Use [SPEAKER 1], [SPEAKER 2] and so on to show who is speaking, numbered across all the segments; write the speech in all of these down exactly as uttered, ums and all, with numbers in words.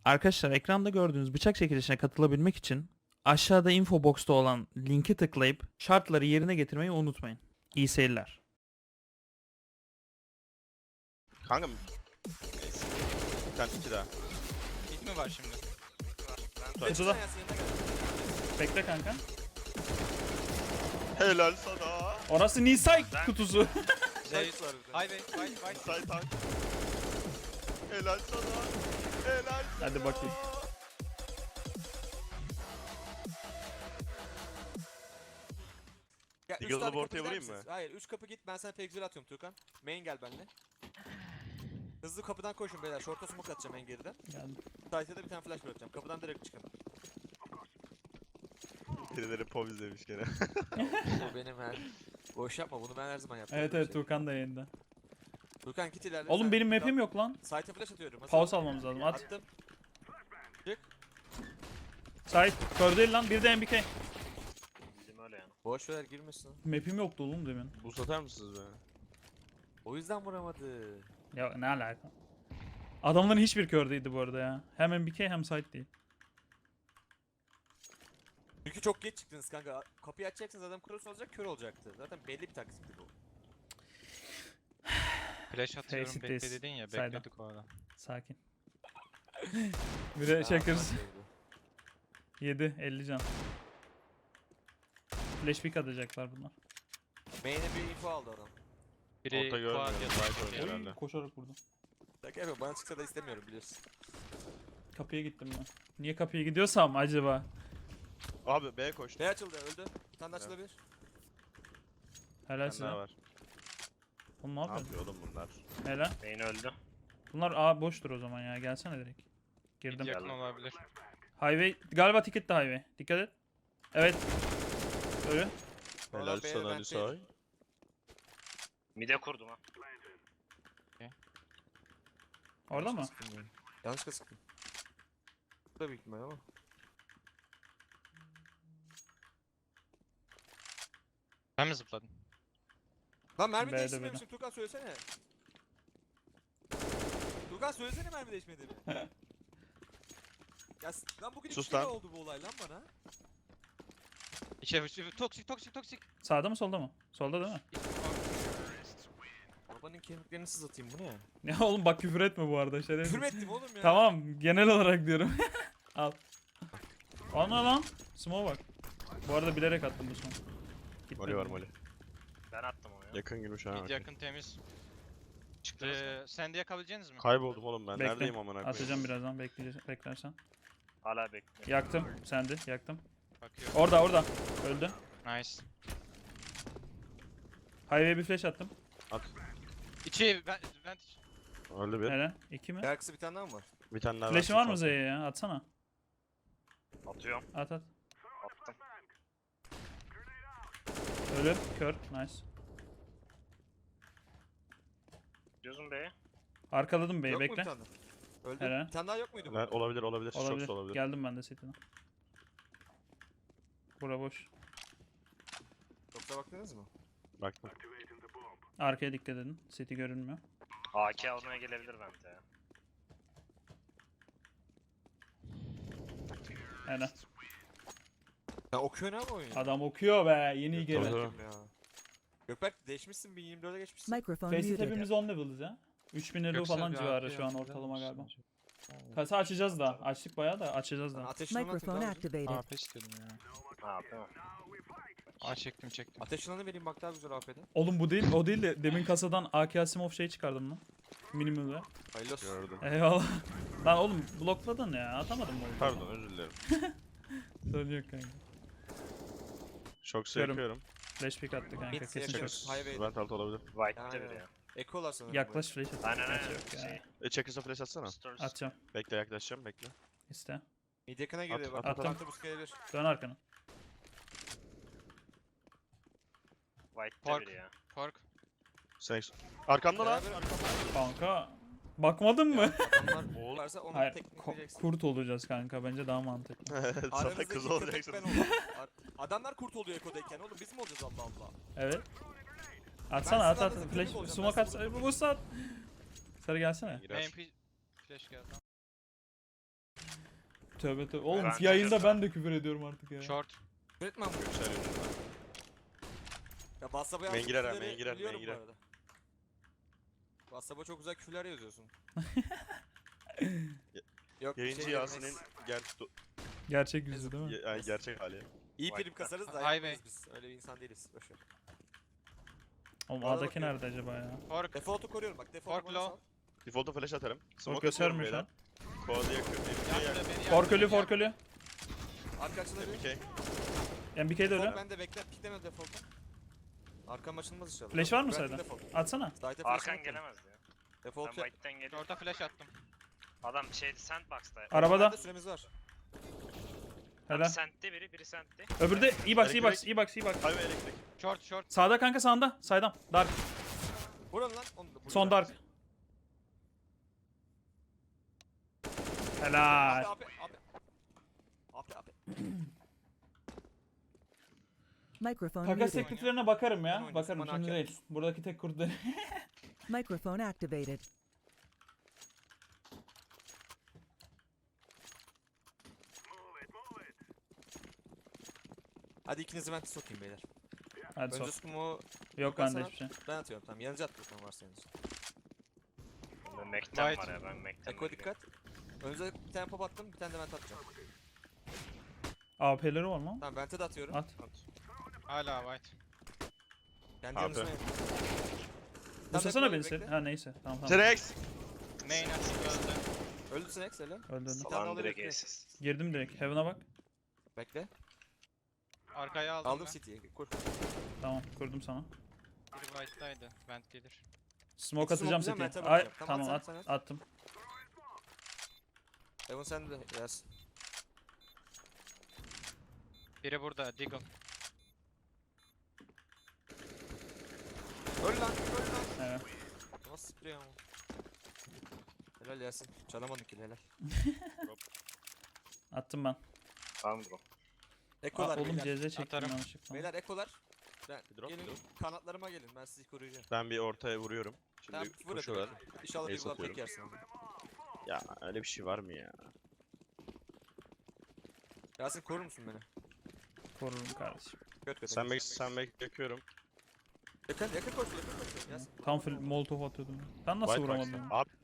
[SPEAKER 1] Arkadaşlar ekranda gördüğünüz bıçak çekilişine katılabilmek için aşağıda info box'ta olan linki tıklayıp şartları yerine getirmeyi unutmayın. İyi seyirler.
[SPEAKER 2] Kanka bir tane iki daha.
[SPEAKER 3] Hit mi var şimdi?
[SPEAKER 1] Kutuda. Bekle kanka.
[SPEAKER 2] Helal sana.
[SPEAKER 1] Orası Nisay kutusu.
[SPEAKER 3] Zeyt var bir de. Highway, highway, highway.
[SPEAKER 2] Say tank. Helal sana. Helal sana.
[SPEAKER 1] Hadi bakayım.
[SPEAKER 4] Ya, üç
[SPEAKER 2] Eagle'lı
[SPEAKER 4] tane
[SPEAKER 2] bu
[SPEAKER 4] kapı
[SPEAKER 2] ortaya
[SPEAKER 4] gider
[SPEAKER 2] vurayım mı?
[SPEAKER 4] misiniz? Hayır, üç kapı git, ben sana pek güzel atıyorum Tuğkan. Main gel benimle. Hızlı kapıdan koşun beyler, short'a smoke atacağım en geriden.
[SPEAKER 1] Geldim.
[SPEAKER 4] Sight'e de bir tane flash bırakacağım, kapıdan direkt çıkın.
[SPEAKER 2] Birileri pov izlemiş gene.
[SPEAKER 4] Bu benim her... Boş yapma, bunu ben her zaman yaptım.
[SPEAKER 1] Evet evet Tuğkan da yayında.
[SPEAKER 4] Tuğkan git ilerle.
[SPEAKER 1] Oğlum benim map'im yok lan.
[SPEAKER 4] Sight'e flash atıyorum. Hazır
[SPEAKER 1] Pause
[SPEAKER 4] ol.
[SPEAKER 1] almamız lazım. At.
[SPEAKER 4] Attım.
[SPEAKER 1] Sait. Kör değil lan. Bir de M B K.
[SPEAKER 5] Bizim öyle yani.
[SPEAKER 4] Boş ver, girmesin.
[SPEAKER 1] Map'im yoktu oğlum demin.
[SPEAKER 2] Bu satar mısınız be?
[SPEAKER 4] O yüzden vuramadı.
[SPEAKER 1] Ya ne alaka? Adamların hiçbir kör değildi bu arada ya. Hem M B K hem Sait değil.
[SPEAKER 4] Çünkü çok geç çıktınız kanka. Kapıyı açacaksınız, adam cross olacak, kör olacaktı. Zaten belli bir taktikti bu.
[SPEAKER 3] Flash atıyorum
[SPEAKER 1] Face it
[SPEAKER 3] bekle
[SPEAKER 1] this.
[SPEAKER 3] dedin ya,
[SPEAKER 1] Sayda.
[SPEAKER 3] bekledik o adam.
[SPEAKER 1] Sakin. Bir de Checkers.
[SPEAKER 4] Aa,
[SPEAKER 1] yedi. elli can. Flash pick atacaklar bunlar.
[SPEAKER 4] Main'e bir info aldı adam.
[SPEAKER 3] Biri
[SPEAKER 2] Orta görmüyor.
[SPEAKER 3] quad
[SPEAKER 2] Light
[SPEAKER 3] yazıyor.
[SPEAKER 2] oynuyor herhalde.
[SPEAKER 1] Oy, koşarak vurdum.
[SPEAKER 4] Şaka yapıyorum, bana çıksa da istemiyorum biliyorsun.
[SPEAKER 1] Kapıya gittim ben. Niye kapıya gidiyorsam acaba?
[SPEAKER 2] Abi B koştu.
[SPEAKER 4] Ne açıldı, öldü. Bir tane de açılabilir.
[SPEAKER 1] Helal
[SPEAKER 2] Bir
[SPEAKER 1] size.
[SPEAKER 2] tane daha var.
[SPEAKER 1] Oğlum ne
[SPEAKER 2] Ne
[SPEAKER 1] yapıyorsun?
[SPEAKER 2] yapıyor oğlum bunlar?
[SPEAKER 1] Helal.
[SPEAKER 5] Main öldü.
[SPEAKER 1] Bunlar A boştur o zaman ya. Gelsene direkt.
[SPEAKER 3] Mid
[SPEAKER 1] Girdim.
[SPEAKER 3] yakın olabilir.
[SPEAKER 1] Highway. Galiba ticket de highway. Dikkat et. Evet. Ölü.
[SPEAKER 2] Helal
[SPEAKER 4] Oradan B'ye
[SPEAKER 2] sana
[SPEAKER 4] ben
[SPEAKER 2] Nisay.
[SPEAKER 5] Mide kurdum ha.
[SPEAKER 1] Orada mı?
[SPEAKER 4] Yanlışlıkla sıktım. Bu da büyük ihtimal ama.
[SPEAKER 3] Ben mi zıpladım?
[SPEAKER 4] Lan mermi
[SPEAKER 1] B'de
[SPEAKER 4] değiştirmemişim, Tuğkan söylesene. Tuğkan söylesene mermi değişmediğini. Ya s- lan bugün
[SPEAKER 2] Sus
[SPEAKER 4] iki kere
[SPEAKER 2] lan.
[SPEAKER 4] oldu bu olay lan bana.
[SPEAKER 3] İçeri içeri toksik toksik toksik.
[SPEAKER 1] Sağda mı solda mı? Solda değil mi?
[SPEAKER 4] Babanın kemiklerini sızlatayım, bu ne ya?
[SPEAKER 1] Ya oğlum bak küfür etme bu arada. Şerefsiz.
[SPEAKER 4] Küfür mü ettim oğlum ya?
[SPEAKER 1] Tamam genel olarak diyorum. Al. Ana lan. Smoke bak. Bu arada bilerek attım bu smoke. Gitmedi.
[SPEAKER 2] Moli var moli.
[SPEAKER 5] Ben attım onu ya.
[SPEAKER 2] Yakın girmiş ha.
[SPEAKER 3] Mid
[SPEAKER 2] okey.
[SPEAKER 3] yakın temiz.
[SPEAKER 5] Çıktınız mı?
[SPEAKER 3] Ee, sen de yakabileceğiniz mi?
[SPEAKER 2] Kayboldum oğlum ben.
[SPEAKER 1] Bekle.
[SPEAKER 2] Neredeyim amına koyayım?
[SPEAKER 1] Atacağım birazdan bekleyeceğim, beklersen.
[SPEAKER 5] Hala bekliyorum.
[SPEAKER 1] Yaktım. Sendi. Yaktım.
[SPEAKER 3] Bakıyorum.
[SPEAKER 1] Orada orada. Öldü.
[SPEAKER 3] Nice.
[SPEAKER 1] Highway'e bir flash attım.
[SPEAKER 2] At.
[SPEAKER 3] İçi vent vent.
[SPEAKER 2] Öldü bir.
[SPEAKER 1] Helal. İki mi?
[SPEAKER 4] Arkası bir tane daha mı var?
[SPEAKER 2] Bir tane daha
[SPEAKER 1] Flash'in
[SPEAKER 2] versin
[SPEAKER 1] var mı
[SPEAKER 2] sonra.
[SPEAKER 1] Z'ye ya? Atsana.
[SPEAKER 5] Atıyorum.
[SPEAKER 1] At at.
[SPEAKER 5] Attım.
[SPEAKER 1] Ölü. Kör. Nice.
[SPEAKER 5] Diyorsun B'ye.
[SPEAKER 1] Arkaladım B'yi.
[SPEAKER 4] Yok mu bir
[SPEAKER 1] Bekle.
[SPEAKER 4] tane? Öldü.
[SPEAKER 1] Helal.
[SPEAKER 4] Bir tane daha yok muydu bu?
[SPEAKER 2] Helal, olabilir olabilir.
[SPEAKER 1] Olabilir.
[SPEAKER 2] Çok olabilir.
[SPEAKER 1] Geldim ben de setine. Bura boş.
[SPEAKER 4] Yoksa baktınız mı?
[SPEAKER 2] Baktım.
[SPEAKER 1] Arkaya dikkat edin. Seti görünmüyor.
[SPEAKER 5] A K almaya gelebilir bence ya.
[SPEAKER 1] Helal.
[SPEAKER 4] Ya okuyor ne abi oyunu?
[SPEAKER 1] Adam okuyor be. Yeni
[SPEAKER 2] Tabii,
[SPEAKER 1] gelen.
[SPEAKER 2] tabii.
[SPEAKER 4] Ya. Gökberk değişmişsin, bin yirmi dörde geçmişsin.
[SPEAKER 6] Microphone
[SPEAKER 1] Faceit
[SPEAKER 6] muted.
[SPEAKER 1] hepimiz on level'ız ya. üç bin elo
[SPEAKER 3] Göksel
[SPEAKER 1] falan
[SPEAKER 3] bir
[SPEAKER 1] civarı
[SPEAKER 3] arkaya
[SPEAKER 1] şu an
[SPEAKER 3] atacak
[SPEAKER 1] ortalama
[SPEAKER 3] mısın
[SPEAKER 1] galiba.
[SPEAKER 3] acaba?
[SPEAKER 1] Kasa açacağız da. Açtık bayağı da açacağız da.
[SPEAKER 4] Ateş yılanı
[SPEAKER 6] Microphone
[SPEAKER 4] atayım
[SPEAKER 6] activated.
[SPEAKER 3] A P istedim ya.
[SPEAKER 5] Ha tamam.
[SPEAKER 3] Aa çektim çektim.
[SPEAKER 4] Ateş yılanı vereyim bak, daha güzel A P'de.
[SPEAKER 1] Oğlum bu değil, o değil de demin kasadan A K Asimov şey çıkardım lan. Minimum ve.
[SPEAKER 4] Hayırlı olsun.
[SPEAKER 2] Gördüm.
[SPEAKER 1] Eyvallah. Lan oğlum blokladın ya. Atamadım mı?
[SPEAKER 2] Pardon özür dilerim.
[SPEAKER 1] Sorun yok kanka.
[SPEAKER 2] Çok
[SPEAKER 1] Görüm.
[SPEAKER 2] seviyorum.
[SPEAKER 1] Flash pick attı kanka.
[SPEAKER 4] Mid
[SPEAKER 1] Kesin
[SPEAKER 4] yakın.
[SPEAKER 1] çok.
[SPEAKER 4] Highway.
[SPEAKER 2] Vent alt olabilir.
[SPEAKER 5] White'de
[SPEAKER 4] Aynen.
[SPEAKER 5] biri ya.
[SPEAKER 4] Ekolar sanırım.
[SPEAKER 1] Yaklaş flash at.
[SPEAKER 5] Aynen
[SPEAKER 1] Flash
[SPEAKER 5] aynen.
[SPEAKER 1] yok ya.
[SPEAKER 5] Şey,
[SPEAKER 2] E Checkers'a flash atsana.
[SPEAKER 5] Stores.
[SPEAKER 1] Atacağım.
[SPEAKER 2] Bekle yaklaşacağım bekle.
[SPEAKER 1] İste.
[SPEAKER 4] Mid yakına giriyor
[SPEAKER 2] At,
[SPEAKER 4] bak.
[SPEAKER 1] at, at.
[SPEAKER 4] Attım. Bu gelebilir.
[SPEAKER 1] Dön arkana.
[SPEAKER 5] White'de
[SPEAKER 3] Park.
[SPEAKER 5] biri ya.
[SPEAKER 3] Park.
[SPEAKER 2] Sen arkamda lan.
[SPEAKER 4] Beraber arkamda.
[SPEAKER 1] Kanka. Bakmadın mı?
[SPEAKER 4] Adamlar
[SPEAKER 2] Oğlum.
[SPEAKER 4] varsa onu
[SPEAKER 1] Hayır.
[SPEAKER 4] teknik
[SPEAKER 1] ko-
[SPEAKER 4] vereceksin.
[SPEAKER 1] kurt olacağız kanka. Bence daha mantıklı.
[SPEAKER 2] Sana
[SPEAKER 4] Aranızdaki
[SPEAKER 2] kız
[SPEAKER 4] köpek
[SPEAKER 2] olacaksın.
[SPEAKER 4] ben olayım. Ar- Adamlar kurt oluyor Eko'dayken oğlum, biz mi olacağız Allah Allah?
[SPEAKER 1] Evet. Atsana at
[SPEAKER 4] sizin
[SPEAKER 1] at.
[SPEAKER 4] aranızda
[SPEAKER 1] Flash.
[SPEAKER 4] köpek olacağım,
[SPEAKER 1] Sumak
[SPEAKER 4] ben
[SPEAKER 1] at.
[SPEAKER 4] sizi
[SPEAKER 1] Bu bu saat. Sarı gelsene.
[SPEAKER 2] Girer.
[SPEAKER 3] M P flash geldi.
[SPEAKER 1] Tövbe tövbe. Oğlum
[SPEAKER 5] Ben
[SPEAKER 1] yayında
[SPEAKER 5] çıkıyorum.
[SPEAKER 1] ben de küfür ediyorum artık ya.
[SPEAKER 3] Short.
[SPEAKER 4] Üretmem bu.
[SPEAKER 2] Göksel önünde.
[SPEAKER 4] Ya WhatsApp'a
[SPEAKER 2] Main
[SPEAKER 4] yazdığın
[SPEAKER 2] girer ha,
[SPEAKER 4] küfürleri
[SPEAKER 2] main girer,
[SPEAKER 4] biliyorum
[SPEAKER 2] main
[SPEAKER 4] bu
[SPEAKER 2] girer.
[SPEAKER 4] arada. WhatsApp'a çok güzel küfürler yazıyorsun. Yok bir
[SPEAKER 2] Yayıncı
[SPEAKER 4] şey
[SPEAKER 2] Yasin'in
[SPEAKER 4] demeyiz.
[SPEAKER 2] ger
[SPEAKER 1] Gerçek yüzü değil mi?
[SPEAKER 2] Ge- yani gerçek hali.
[SPEAKER 4] İyi
[SPEAKER 5] White
[SPEAKER 4] prim kasarız da
[SPEAKER 3] Highway.
[SPEAKER 4] yapmayız biz. Öyle bir insan değiliz. Boşver.
[SPEAKER 1] Oğlum
[SPEAKER 4] Arada
[SPEAKER 1] A'daki
[SPEAKER 4] bakıyorum.
[SPEAKER 1] nerede acaba ya?
[SPEAKER 3] Fork.
[SPEAKER 4] Default'u koruyorum bak. Default'u
[SPEAKER 3] Fork
[SPEAKER 4] bana
[SPEAKER 3] low.
[SPEAKER 4] sal.
[SPEAKER 2] Default'a flash atarım.
[SPEAKER 1] Smoke
[SPEAKER 2] Smoke
[SPEAKER 1] göstermiyor şu
[SPEAKER 2] atıyorum
[SPEAKER 1] an.
[SPEAKER 2] beyler. Kovalı yakın. M K
[SPEAKER 3] Yaktı
[SPEAKER 2] yakın.
[SPEAKER 3] beni,
[SPEAKER 1] Fork
[SPEAKER 3] yaktı,
[SPEAKER 1] ölü,
[SPEAKER 3] beni
[SPEAKER 1] fork
[SPEAKER 3] yaktı.
[SPEAKER 1] ölü.
[SPEAKER 4] Arka açılabilir.
[SPEAKER 2] M K.
[SPEAKER 1] M B K de
[SPEAKER 4] Default
[SPEAKER 1] ölü.
[SPEAKER 4] ben de bekle. Pikleme default'u. Arkam açılmaz inşallah.
[SPEAKER 1] Flash var mı
[SPEAKER 4] Ben
[SPEAKER 1] sayda?
[SPEAKER 4] default.
[SPEAKER 1] Atsana.
[SPEAKER 4] Side'e flash'ını
[SPEAKER 5] Arkan
[SPEAKER 4] atıyorum.
[SPEAKER 5] gelemez ya. Ben
[SPEAKER 4] Default ya.
[SPEAKER 5] White'den geliyorum.
[SPEAKER 3] Short'a flash attım.
[SPEAKER 5] Adam şeydi sandbox'ta.
[SPEAKER 1] Arabada.
[SPEAKER 4] Bende süremiz var.
[SPEAKER 1] Helal.
[SPEAKER 5] Sent'te biri, biri sent'te.
[SPEAKER 1] Öbürü de iyi box, iyi box,
[SPEAKER 2] Elektrik.
[SPEAKER 1] iyi box, iyi box.
[SPEAKER 2] Highway elektrik.
[SPEAKER 3] Short short.
[SPEAKER 1] Sağda kanka sağında. Saydam. Dark.
[SPEAKER 4] Vurun lan. Onu da vurun.
[SPEAKER 1] Son dark. Helal.
[SPEAKER 4] Abi abi abi. Abi abi.
[SPEAKER 6] Microphone
[SPEAKER 1] Takas
[SPEAKER 6] muted.
[SPEAKER 1] tekliflerine bakarım
[SPEAKER 4] Ben
[SPEAKER 1] ya.
[SPEAKER 4] oynasın,
[SPEAKER 1] Bakarım
[SPEAKER 4] bana
[SPEAKER 1] şimdi
[SPEAKER 4] hakem
[SPEAKER 1] değil.
[SPEAKER 4] olsun.
[SPEAKER 1] Buradaki tek kurt değil.
[SPEAKER 6] Microphone activated.
[SPEAKER 4] Hadi ikinizi vente sokayım beyler.
[SPEAKER 1] Hadi
[SPEAKER 4] Önce
[SPEAKER 1] sok.
[SPEAKER 4] smoke'u
[SPEAKER 1] Yok
[SPEAKER 4] Ben
[SPEAKER 1] bende
[SPEAKER 4] sana-
[SPEAKER 1] hiçbir şey.
[SPEAKER 4] ben atıyorum tamam. Yanıcı at bakalım varsa yanıcı.
[SPEAKER 5] Bunda Mac'ten
[SPEAKER 3] White.
[SPEAKER 5] var ya, ben Mac'ten
[SPEAKER 4] Eko
[SPEAKER 5] geliyorum.
[SPEAKER 4] dikkat. Önce bir tane pop attım. Bir tane de vente atacağım.
[SPEAKER 1] A P'leri var mı?
[SPEAKER 4] Tamam vente de atıyorum.
[SPEAKER 1] At.
[SPEAKER 3] Hala white.
[SPEAKER 4] Kendi
[SPEAKER 2] Abi.
[SPEAKER 4] yanınızda yanıcı.
[SPEAKER 1] Bu sesene beni sen. Ha neyse. Tamam tamam.
[SPEAKER 2] T-Rex.
[SPEAKER 3] Main açık öldü.
[SPEAKER 4] Öldü Sinex hele.
[SPEAKER 1] Öldü öldü.
[SPEAKER 4] Bir tane
[SPEAKER 5] Salam
[SPEAKER 4] alabilir
[SPEAKER 5] direkt
[SPEAKER 4] miyim?
[SPEAKER 5] aces.
[SPEAKER 1] Girdim direkt. Heaven'a bak.
[SPEAKER 4] Bekle.
[SPEAKER 3] Arkaya aldım,
[SPEAKER 4] Aldım
[SPEAKER 3] ben.
[SPEAKER 4] City'yi. Kur.
[SPEAKER 1] Tamam kurdum sana.
[SPEAKER 3] Biri white'daydı. Vent gelir.
[SPEAKER 1] Smoke
[SPEAKER 4] İki
[SPEAKER 1] atacağım
[SPEAKER 4] smoke
[SPEAKER 1] City'ye.
[SPEAKER 4] atacağım,
[SPEAKER 1] Ay
[SPEAKER 4] ben tabii atacağım.
[SPEAKER 1] tamam
[SPEAKER 4] Tamam,
[SPEAKER 1] at,
[SPEAKER 4] sen at.
[SPEAKER 1] attım.
[SPEAKER 4] Evan sen de yaz.
[SPEAKER 3] Biri burada. Deagle.
[SPEAKER 4] Öl lan. Öl lan.
[SPEAKER 1] Evet.
[SPEAKER 4] Nasıl sprey ama. Helal Yasin. Çalamadık ki helal.
[SPEAKER 1] Attım ben.
[SPEAKER 5] Tamam bro.
[SPEAKER 1] Aa,
[SPEAKER 4] Ekolar
[SPEAKER 1] oğlum
[SPEAKER 4] beyler.
[SPEAKER 1] C Z çektim
[SPEAKER 3] Atarım.
[SPEAKER 1] yanlışlıkla.
[SPEAKER 4] Beyler ekolar. Ben,
[SPEAKER 2] Bir drop,
[SPEAKER 4] gelin
[SPEAKER 2] bir drop.
[SPEAKER 4] kanatlarıma gelin. Ben sizi koruyacağım.
[SPEAKER 2] Ben bir ortaya vuruyorum. Şimdi
[SPEAKER 4] Tamam vur
[SPEAKER 2] koşuyorlar.
[SPEAKER 4] hadi. İnşallah
[SPEAKER 2] Ace
[SPEAKER 4] bir gol tek
[SPEAKER 2] atıyorum.
[SPEAKER 4] yersin ama.
[SPEAKER 2] Ya öyle bir şey var mı ya?
[SPEAKER 4] Yasin korur musun beni?
[SPEAKER 1] Korurum kardeşim.
[SPEAKER 4] Göt göt.
[SPEAKER 2] Sen bek sen bek yakıyorum.
[SPEAKER 4] Yakın yakın koş yakın koş. Yasin.
[SPEAKER 1] Tam full molotov atıyordum. Ben nasıl
[SPEAKER 2] White
[SPEAKER 1] vuramadım?
[SPEAKER 2] box'ta. Abi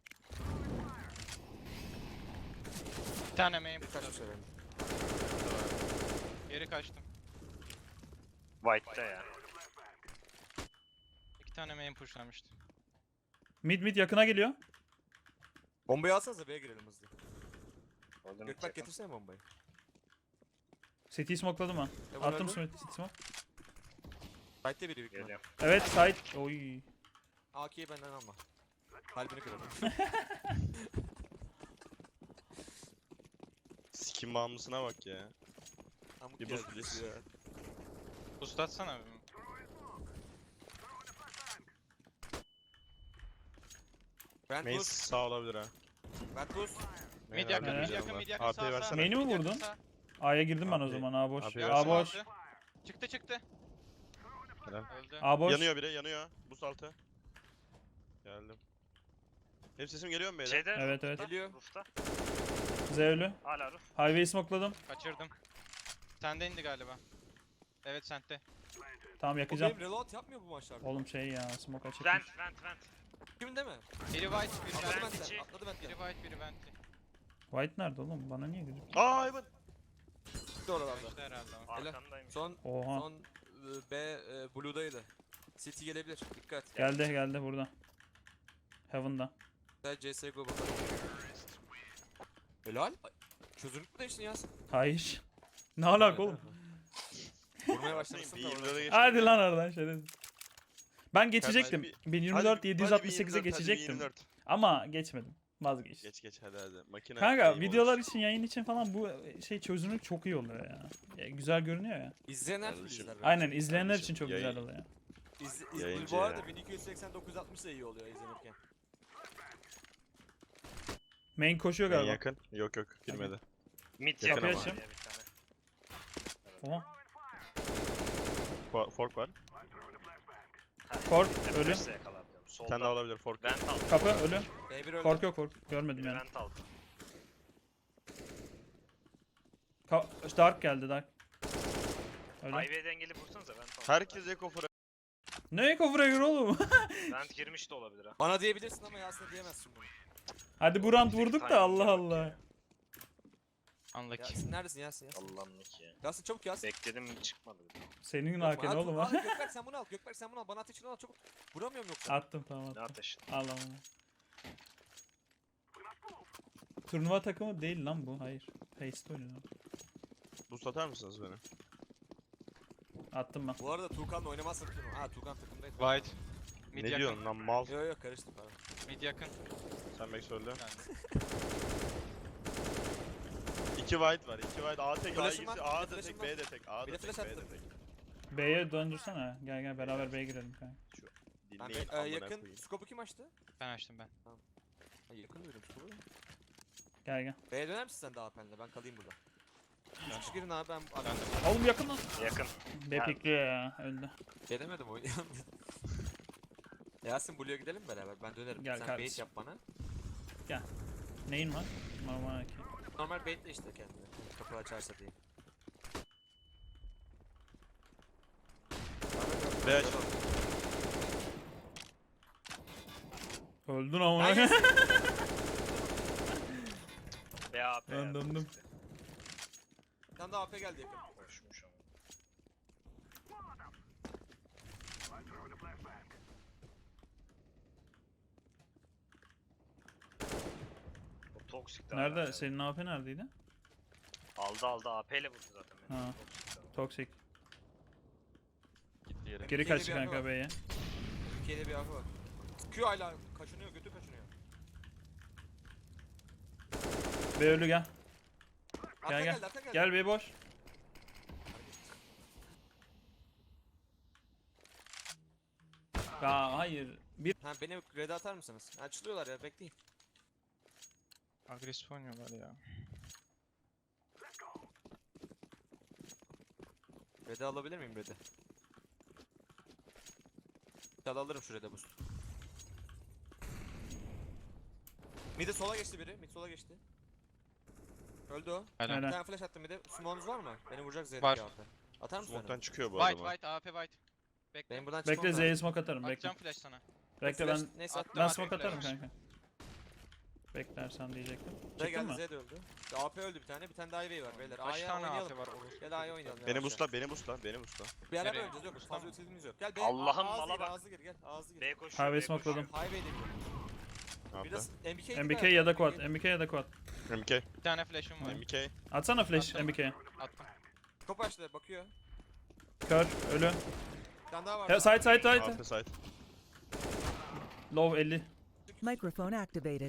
[SPEAKER 3] Bir tane main
[SPEAKER 4] Birkaç bir
[SPEAKER 3] pushladı.
[SPEAKER 4] şey verin.
[SPEAKER 3] Geri kaçtım.
[SPEAKER 5] White'da ya.
[SPEAKER 3] İki tane main pushlamıştı.
[SPEAKER 1] Mid mid yakına geliyor.
[SPEAKER 4] Bombayı alsanıza B'ye girelim hızlı.
[SPEAKER 5] Golden
[SPEAKER 4] Gökberk
[SPEAKER 5] yakın.
[SPEAKER 4] getirsene bombayı.
[SPEAKER 1] City'yi smokeladım ben.
[SPEAKER 4] Evan
[SPEAKER 1] Attım
[SPEAKER 4] öldü.
[SPEAKER 1] Smith. City smoke.
[SPEAKER 4] Sight'te biri büyük ihtimal.
[SPEAKER 5] Geliyorum.
[SPEAKER 1] Evet side. Oy.
[SPEAKER 4] A K'yi benden alma. Kalbini kırarım.
[SPEAKER 2] sikim bağımlısına bak ya.
[SPEAKER 4] Amık
[SPEAKER 2] Bir
[SPEAKER 4] geldi
[SPEAKER 2] boost please.
[SPEAKER 4] ya.
[SPEAKER 3] Boost atsana.
[SPEAKER 4] Vent
[SPEAKER 2] Main
[SPEAKER 4] boost.
[SPEAKER 2] sağ olabilir ha.
[SPEAKER 4] Vent boost.
[SPEAKER 3] Mid
[SPEAKER 2] Main
[SPEAKER 3] yakın,
[SPEAKER 2] abi
[SPEAKER 3] mid
[SPEAKER 2] güzel
[SPEAKER 3] yakın,
[SPEAKER 2] var.
[SPEAKER 3] mid yakın.
[SPEAKER 2] A P'yi
[SPEAKER 3] Sağ sağ.
[SPEAKER 2] versene.
[SPEAKER 1] Main'i mi
[SPEAKER 3] Mid yakın,
[SPEAKER 1] vurdun?
[SPEAKER 3] sağ.
[SPEAKER 1] A'ya girdim ben o
[SPEAKER 2] Abi-
[SPEAKER 1] zaman. A boş.
[SPEAKER 2] abi
[SPEAKER 1] A
[SPEAKER 3] Yardım
[SPEAKER 1] boş.
[SPEAKER 3] aldı. Çıktı çıktı.
[SPEAKER 2] Helal.
[SPEAKER 3] Öldü.
[SPEAKER 1] A boş.
[SPEAKER 2] Yanıyor biri yanıyor. Boost altı. Geldim. Benim sesim geliyor mu beyler?
[SPEAKER 5] Şeyde
[SPEAKER 1] Evet evet.
[SPEAKER 4] Geliyor.
[SPEAKER 5] Roof'ta.
[SPEAKER 1] Zevlü.
[SPEAKER 5] Hala roof.
[SPEAKER 1] Highway'i smokeladım.
[SPEAKER 3] Kaçırdım. Sende indi galiba. Evet sende.
[SPEAKER 1] Tamam
[SPEAKER 4] O
[SPEAKER 1] yakacağım.
[SPEAKER 4] benim reload yapmıyor bu maçlarda.
[SPEAKER 1] Oğlum şey ya smoke açık.
[SPEAKER 5] Vent vent vent.
[SPEAKER 4] Kim değil mi?
[SPEAKER 3] Biri white, biri
[SPEAKER 4] Atladı
[SPEAKER 5] Ben
[SPEAKER 3] vent.
[SPEAKER 4] benden.
[SPEAKER 5] içi-
[SPEAKER 4] Atladı
[SPEAKER 3] Biri
[SPEAKER 4] benden.
[SPEAKER 3] white, biri vent.
[SPEAKER 1] White nerede oğlum? Bana niye gözüküyor?
[SPEAKER 2] Aa Ivan.
[SPEAKER 4] Gitti oralarda.
[SPEAKER 3] İşte herhalde o.
[SPEAKER 4] Helal.
[SPEAKER 5] Arkandaymış.
[SPEAKER 4] Son
[SPEAKER 1] Oha.
[SPEAKER 4] son e, B e, Blue'daydı. City gelebilir. Dikkat.
[SPEAKER 1] Geldi geldi burada. Heaven'da.
[SPEAKER 4] Güzel C S G O bakalım. Helal. Ay, çözünürlük değiştin ya.
[SPEAKER 1] Hayır. Ne alaka oğlum?
[SPEAKER 4] Vurmaya başlamışsın
[SPEAKER 2] Bir
[SPEAKER 4] da
[SPEAKER 2] yirmi
[SPEAKER 4] orada.
[SPEAKER 2] dörde geçtim.
[SPEAKER 1] Hadi lan oradan şerefsiz. Ben geçecektim.
[SPEAKER 2] Hadi
[SPEAKER 1] bin yirmi dört
[SPEAKER 2] Hadi-
[SPEAKER 1] yedi yüz
[SPEAKER 2] hadi
[SPEAKER 1] altmış sekize
[SPEAKER 2] bir yirmi dört, hadi bir
[SPEAKER 1] geçecektim.
[SPEAKER 2] yirmi dört.
[SPEAKER 1] Ama geçmedim. Vazgeçtim.
[SPEAKER 2] Geç geç hadi hadi. Makine
[SPEAKER 1] Kanka
[SPEAKER 2] iyi
[SPEAKER 1] videolar
[SPEAKER 2] olur.
[SPEAKER 1] için yayın için falan bu şey çözünürlük çok iyi oluyor ya. Ya güzel görünüyor ya.
[SPEAKER 4] İzleyen her türlü
[SPEAKER 2] Kardeşim.
[SPEAKER 4] izler. bence.
[SPEAKER 1] Aynen izleyenler
[SPEAKER 2] Kardeşim,
[SPEAKER 1] için çok
[SPEAKER 2] yayın-
[SPEAKER 1] güzel oluyor.
[SPEAKER 4] İz, iz,
[SPEAKER 2] Yayıncı
[SPEAKER 4] bu arada
[SPEAKER 2] ya.
[SPEAKER 4] bin iki yüz seksen dokuz altmış da iyi oluyor izlenirken.
[SPEAKER 1] Main koşuyor
[SPEAKER 2] En
[SPEAKER 1] galiba.
[SPEAKER 2] yakın. Yok yok girmedi.
[SPEAKER 5] Mid
[SPEAKER 2] Yakın
[SPEAKER 5] yakın
[SPEAKER 1] ama.
[SPEAKER 5] ama. Bir tane.
[SPEAKER 1] Oha.
[SPEAKER 2] Fo- Fork var.
[SPEAKER 1] Fork
[SPEAKER 5] Hep
[SPEAKER 1] ölü.
[SPEAKER 5] flash'le yakaladım.
[SPEAKER 2] Bir
[SPEAKER 5] Solda.
[SPEAKER 2] tane daha olabilir fork.
[SPEAKER 5] Vent aldım.
[SPEAKER 1] Kapı ölü.
[SPEAKER 4] B bir öldü.
[SPEAKER 1] Kork yok kork. Görmedim yani.
[SPEAKER 5] Vent aldım.
[SPEAKER 1] Ka- Dark geldi Dark. Öyle.
[SPEAKER 5] Highway dengeli vursanıza ben tamam.
[SPEAKER 2] Herkes Eko Frag.
[SPEAKER 1] Ne Eko Fragger oğlum?
[SPEAKER 5] Vent girmiş de olabilir ha.
[SPEAKER 4] Bana diyebilirsin ama Yasin'e diyemezsin bunu.
[SPEAKER 1] Hadi bu round vurduk da Allah Allah.
[SPEAKER 3] Unlucky.
[SPEAKER 4] Yasin neredesin Yasin Yasin?
[SPEAKER 5] Allah'ım ne ki ya.
[SPEAKER 4] Yasin çabuk Yasin.
[SPEAKER 5] Bekledim çıkmadı.
[SPEAKER 1] Senin
[SPEAKER 4] Yapma,
[SPEAKER 1] haken
[SPEAKER 4] at-
[SPEAKER 1] oğlum
[SPEAKER 4] al,
[SPEAKER 1] ha.
[SPEAKER 4] Gökberk sen bunu al. Gökberk sen bunu al. Bana ateşini al çabuk. Vuramıyorum yoksa.
[SPEAKER 1] Attım tamam
[SPEAKER 5] Ne
[SPEAKER 1] attım.
[SPEAKER 5] ateşin?
[SPEAKER 1] Al al. Turnuva takımı değil lan bu. Hayır. Paste oynuyor.
[SPEAKER 2] Boost atar mısınız beni?
[SPEAKER 1] Attım ben.
[SPEAKER 4] Bu arada Tuğkan'la oynamazsın turnuva. Ha Tuğkan takımdaydı.
[SPEAKER 3] White. Mid
[SPEAKER 2] Ne
[SPEAKER 3] yakın.
[SPEAKER 2] diyorsun lan mal?
[SPEAKER 4] Yok yok karıştım pardon.
[SPEAKER 3] Mid yakın.
[SPEAKER 2] Sen bek söyle.
[SPEAKER 3] Yani.
[SPEAKER 2] İki white var. iki white. A tek, A
[SPEAKER 4] Flash'ım
[SPEAKER 2] ikisi,
[SPEAKER 4] var,
[SPEAKER 2] A
[SPEAKER 4] bir de
[SPEAKER 2] da
[SPEAKER 4] flash'ım
[SPEAKER 2] tek,
[SPEAKER 4] var.
[SPEAKER 2] B de tek. A
[SPEAKER 4] Bir
[SPEAKER 2] da
[SPEAKER 4] de
[SPEAKER 2] tek,
[SPEAKER 4] flash
[SPEAKER 2] B de
[SPEAKER 4] attım.
[SPEAKER 2] tek.
[SPEAKER 1] B'ye döndürsene. Gel gel beraber B'ye girelim kanka.
[SPEAKER 4] Ben
[SPEAKER 2] Dinleyin
[SPEAKER 4] e,
[SPEAKER 2] amına
[SPEAKER 4] yakın.
[SPEAKER 2] koyayım.
[SPEAKER 4] Skopu kim açtı?
[SPEAKER 3] Ben açtım ben.
[SPEAKER 4] Ha, yakın diyorum skopu.
[SPEAKER 1] Gel gel.
[SPEAKER 4] B'ye döner misin sen daha penle? Ben kalayım burada. Üç kişi girin abi ben... abi
[SPEAKER 3] Ben de.
[SPEAKER 1] Oğlum yakın lan.
[SPEAKER 5] Yakın.
[SPEAKER 1] B
[SPEAKER 5] Ha.
[SPEAKER 1] pikliyor ya. Öldü.
[SPEAKER 4] Gelemedim o. Yasin Blue'ya gidelim beraber. Ben dönerim.
[SPEAKER 1] Gel
[SPEAKER 4] sen
[SPEAKER 1] kardeşim.
[SPEAKER 4] bait yap bana.
[SPEAKER 1] Neyin var? Normal hakem.
[SPEAKER 4] Normal baitle işte kendini. Kapı açarsa diye.
[SPEAKER 2] B aç.
[SPEAKER 1] Öldün ama.
[SPEAKER 4] Hayır.
[SPEAKER 5] B A P.
[SPEAKER 1] Ben döndüm.
[SPEAKER 4] Bir tane daha A P geldi yakın.
[SPEAKER 5] Koşmuş ama. O toksik de
[SPEAKER 1] Nerede?
[SPEAKER 5] hala ya.
[SPEAKER 1] Senin A P neredeydi?
[SPEAKER 5] Aldı aldı A P ile vurdu zaten beni.
[SPEAKER 1] Ha.
[SPEAKER 5] Toksik de var.
[SPEAKER 1] Toxic.
[SPEAKER 3] Gitti yere.
[SPEAKER 1] Geri
[SPEAKER 4] Ülkede
[SPEAKER 1] kaç
[SPEAKER 4] bir araba
[SPEAKER 1] kanka
[SPEAKER 4] var.
[SPEAKER 1] B'ye.
[SPEAKER 4] Türkiye'de bir A P var. Q hala kaçınıyor, götü kaçınıyor.
[SPEAKER 1] B ölü gel.
[SPEAKER 4] Arka
[SPEAKER 1] gel.
[SPEAKER 4] geldi, arka geldi.
[SPEAKER 1] Gel B boş. Ya hayır. Bir
[SPEAKER 4] Ha beni red'e atar mısınız? Açılıyorlar ya bekleyin.
[SPEAKER 3] Agresif oynuyorlar ya.
[SPEAKER 4] Red'e alabilir miyim red'e? Çal alırım şu red'e boost. Mid'e sola geçti biri, mid sola geçti. Öldü o.
[SPEAKER 3] Aynen.
[SPEAKER 1] Helal.
[SPEAKER 4] Bir tane flash attım mid'e. Smoke'unuz var mı? Beni vuracak Z'deki
[SPEAKER 3] Var.
[SPEAKER 4] A P. Atar mısın
[SPEAKER 2] Smoke'tan
[SPEAKER 4] beni?
[SPEAKER 2] çıkıyor bu
[SPEAKER 3] White
[SPEAKER 2] adama.
[SPEAKER 3] white A P white. Bekle.
[SPEAKER 4] Benim buradan çıkmam
[SPEAKER 1] bekle
[SPEAKER 4] lazım.
[SPEAKER 1] Z'ye smoke atarım bekle.
[SPEAKER 3] Atacağım flash sana.
[SPEAKER 1] Bekle
[SPEAKER 4] Flash-
[SPEAKER 1] ben
[SPEAKER 4] Neyse
[SPEAKER 3] Attım
[SPEAKER 1] ben
[SPEAKER 3] abi,
[SPEAKER 1] smoke atarım
[SPEAKER 3] flash.
[SPEAKER 1] kanka. Beklersen diyecektim.
[SPEAKER 4] Z
[SPEAKER 1] Çıktın
[SPEAKER 4] geldi,
[SPEAKER 1] mı?
[SPEAKER 4] Z de öldü. A P öldü bir tane, bir tane daha Ivy var beyler.
[SPEAKER 3] Kaç
[SPEAKER 4] A'ya
[SPEAKER 3] tane A
[SPEAKER 4] oynayalım.
[SPEAKER 3] P var olur?
[SPEAKER 4] Gel A'ya oynayalım.
[SPEAKER 2] Beni
[SPEAKER 4] yavaşça.
[SPEAKER 2] boostla, beni boostla, beni boostla.
[SPEAKER 4] Beraber
[SPEAKER 3] Nereye?
[SPEAKER 4] oynayacağız yok.
[SPEAKER 3] Boostla
[SPEAKER 4] Fazla
[SPEAKER 3] mı?
[SPEAKER 4] ötülümüz yok. Gel B.
[SPEAKER 5] Allah'ım,
[SPEAKER 4] ağzı
[SPEAKER 5] mala
[SPEAKER 4] gir,
[SPEAKER 5] bak.
[SPEAKER 4] ağzı gir gel. Ağzı gir.
[SPEAKER 5] B koşuyor.
[SPEAKER 1] Highway
[SPEAKER 5] B koşuyor.
[SPEAKER 1] smokeladım.
[SPEAKER 4] Highway'de gidiyor.
[SPEAKER 2] Ne yaptı?
[SPEAKER 4] Biraz M B K
[SPEAKER 1] M B K ya da quad. M B K ya da quad.
[SPEAKER 2] M K.
[SPEAKER 3] Bir tane flash'ım var.
[SPEAKER 2] M K.
[SPEAKER 1] Atsana flash
[SPEAKER 3] Attım.
[SPEAKER 1] M B K'ye.
[SPEAKER 3] Attım.
[SPEAKER 4] Top açtı bakıyor.
[SPEAKER 1] Kör. Ölü.
[SPEAKER 4] Bir tane daha var.
[SPEAKER 1] He, side side
[SPEAKER 2] A
[SPEAKER 1] side.
[SPEAKER 2] P side.
[SPEAKER 1] Low elli.
[SPEAKER 6] Microphone activated.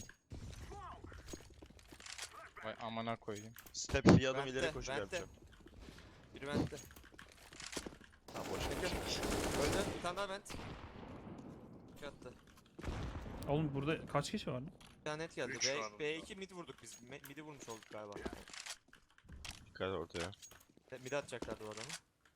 [SPEAKER 3] Vay amına koyayım.
[SPEAKER 2] Step bir adım
[SPEAKER 4] Vente,
[SPEAKER 2] ileri koşu
[SPEAKER 4] vente.
[SPEAKER 2] yapacağım.
[SPEAKER 4] Biri vent'te.
[SPEAKER 2] Tamam boş
[SPEAKER 4] Bekle.
[SPEAKER 2] ver.
[SPEAKER 4] Öldü. Bir tane daha vent. İki attı.
[SPEAKER 1] Oğlum burada kaç kişi var lan?
[SPEAKER 4] Bir tane net geldi.
[SPEAKER 5] Üç var
[SPEAKER 4] B,
[SPEAKER 5] burada.
[SPEAKER 4] B iki mid vurduk biz. Me- Mid'i vurmuş olduk galiba.
[SPEAKER 2] Dikkat ortaya.
[SPEAKER 4] E, Mid'e atacaklardı o adamı.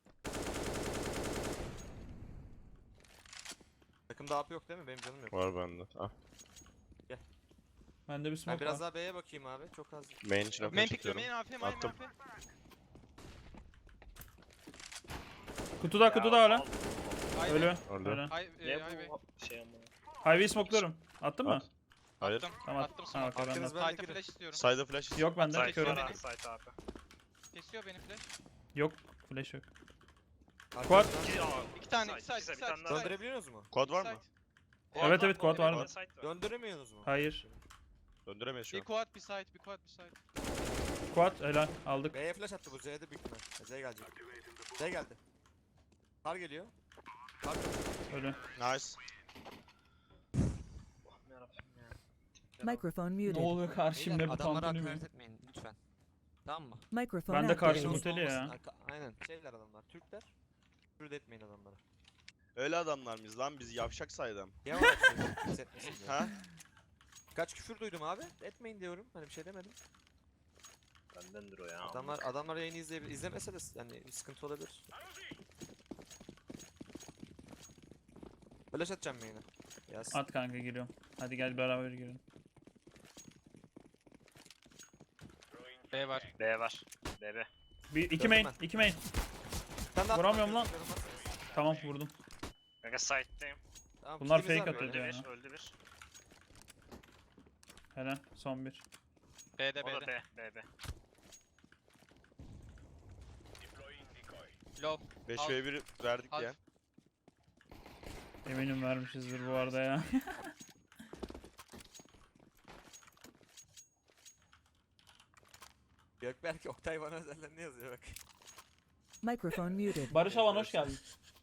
[SPEAKER 4] Takımda A P yok değil mi? Benim canım yok.
[SPEAKER 2] Var bende. Ah.
[SPEAKER 1] Bende bir
[SPEAKER 4] Ben
[SPEAKER 1] smoke
[SPEAKER 4] biraz
[SPEAKER 1] var.
[SPEAKER 4] daha B'ye bakayım abi. Çok az.
[SPEAKER 2] Main için
[SPEAKER 3] Main
[SPEAKER 2] okey
[SPEAKER 3] pickliyor.
[SPEAKER 2] çekiyorum.
[SPEAKER 3] Main A P, main
[SPEAKER 2] Attım.
[SPEAKER 3] A P.
[SPEAKER 1] Kutuda kutuda hala.
[SPEAKER 3] Highway.
[SPEAKER 1] Ölü.
[SPEAKER 2] Öldü.
[SPEAKER 1] Ölü.
[SPEAKER 3] High, e,
[SPEAKER 5] Ne
[SPEAKER 3] highway.
[SPEAKER 5] bu şey ama.
[SPEAKER 1] Highway smoke'luyorum. Attın mı?
[SPEAKER 2] At. Hayır.
[SPEAKER 3] Attım.
[SPEAKER 1] Tamam.
[SPEAKER 3] Attım
[SPEAKER 1] Ha,
[SPEAKER 3] smoke.
[SPEAKER 1] okey, ben de
[SPEAKER 4] Arkanız
[SPEAKER 1] attım.
[SPEAKER 4] ben de
[SPEAKER 3] Sight'a
[SPEAKER 4] girin.
[SPEAKER 3] flash istiyorum.
[SPEAKER 2] Side'a flash.
[SPEAKER 1] Yok bende.
[SPEAKER 5] Site
[SPEAKER 1] Körüm.
[SPEAKER 5] var ha, site A P.
[SPEAKER 3] Kesiyor beni flash.
[SPEAKER 1] Yok. Flash yok.
[SPEAKER 4] Quad.
[SPEAKER 5] İki, aa,
[SPEAKER 3] İki tane,
[SPEAKER 5] site,
[SPEAKER 3] iki side,
[SPEAKER 5] ikisi,
[SPEAKER 3] iki
[SPEAKER 5] bir
[SPEAKER 3] side,
[SPEAKER 5] tane
[SPEAKER 3] iki
[SPEAKER 5] daha.
[SPEAKER 3] side.
[SPEAKER 4] Döndürebiliyorsunuz mu?
[SPEAKER 2] Quad var mı?
[SPEAKER 3] Side.
[SPEAKER 1] Evet, evet, quad var
[SPEAKER 5] Bir
[SPEAKER 1] mı?
[SPEAKER 5] de site var.
[SPEAKER 4] Döndüremiyorsunuz mu?
[SPEAKER 1] Hayır.
[SPEAKER 2] Döndüremeyiz şu
[SPEAKER 3] Bir
[SPEAKER 2] an.
[SPEAKER 3] quad, bir side, bir quad, bir side.
[SPEAKER 1] Quad helal. Aldık.
[SPEAKER 4] B'ye flash attı bu Z'de büyük ihtimal. Z gelecek. Z geldi. Kar geliyor. Kar
[SPEAKER 1] Ölü.
[SPEAKER 2] Nice.
[SPEAKER 5] Allah'ım yarabbim ya.
[SPEAKER 6] Microphone
[SPEAKER 1] Ne
[SPEAKER 6] muted.
[SPEAKER 1] oluyor karşımda
[SPEAKER 4] Beyler,
[SPEAKER 1] bu
[SPEAKER 4] adamlara
[SPEAKER 1] tantuni
[SPEAKER 4] hakaret
[SPEAKER 1] mi?
[SPEAKER 4] etmeyin lütfen. Tamam mı?
[SPEAKER 6] Microphone
[SPEAKER 1] Ben de karşı
[SPEAKER 6] activated.
[SPEAKER 1] muteli ya.
[SPEAKER 4] Olmasın, arka- Aynen şeyler adamlar. Türkler. Küfür de etmeyin adamlara.
[SPEAKER 2] Öyle adamlar mıyız lan biz yavşak saydam.
[SPEAKER 4] Niye var hissetmesin diye.
[SPEAKER 2] Ha?
[SPEAKER 4] Kaç küfür duydum abi. Etmeyin diyorum. Hani bir şey demedim.
[SPEAKER 5] Bendendir o ya.
[SPEAKER 4] Adamlar adamlar yayını izleyebilir. İzlemese de yani bir sıkıntı olabilir. Flash atacağım yayına. Yaz.
[SPEAKER 1] At kanka giriyorum. Hadi gel beraber girelim.
[SPEAKER 3] B var.
[SPEAKER 5] B var. B B.
[SPEAKER 1] Bir, iki
[SPEAKER 4] Gördüm
[SPEAKER 1] main,
[SPEAKER 4] ben.
[SPEAKER 1] iki main.
[SPEAKER 4] Sen de at
[SPEAKER 1] Vuramıyorum
[SPEAKER 4] bak,
[SPEAKER 1] lan.
[SPEAKER 4] görüyorum, at.
[SPEAKER 1] Tamam vurdum.
[SPEAKER 5] Kanka site'deyim.
[SPEAKER 4] Tamam,
[SPEAKER 1] Bunlar
[SPEAKER 4] kitimiz
[SPEAKER 1] fake
[SPEAKER 4] var
[SPEAKER 1] atıyor
[SPEAKER 4] böyle.
[SPEAKER 5] Öldü
[SPEAKER 1] ya.
[SPEAKER 5] bir, öldü bir.
[SPEAKER 1] Helal, son bir.
[SPEAKER 3] B'de
[SPEAKER 5] O da
[SPEAKER 3] B'de.
[SPEAKER 5] B, B, B.
[SPEAKER 3] Low.
[SPEAKER 2] beş
[SPEAKER 3] Al.
[SPEAKER 2] ve bir verdik
[SPEAKER 3] Al.
[SPEAKER 2] ya.
[SPEAKER 1] Eminim vermişizdir bu arada ya.
[SPEAKER 4] Gökberk Oktay bana özelden ne yazıyor bak.
[SPEAKER 6] Microphone muted.
[SPEAKER 1] Barış Alan hoş geldin.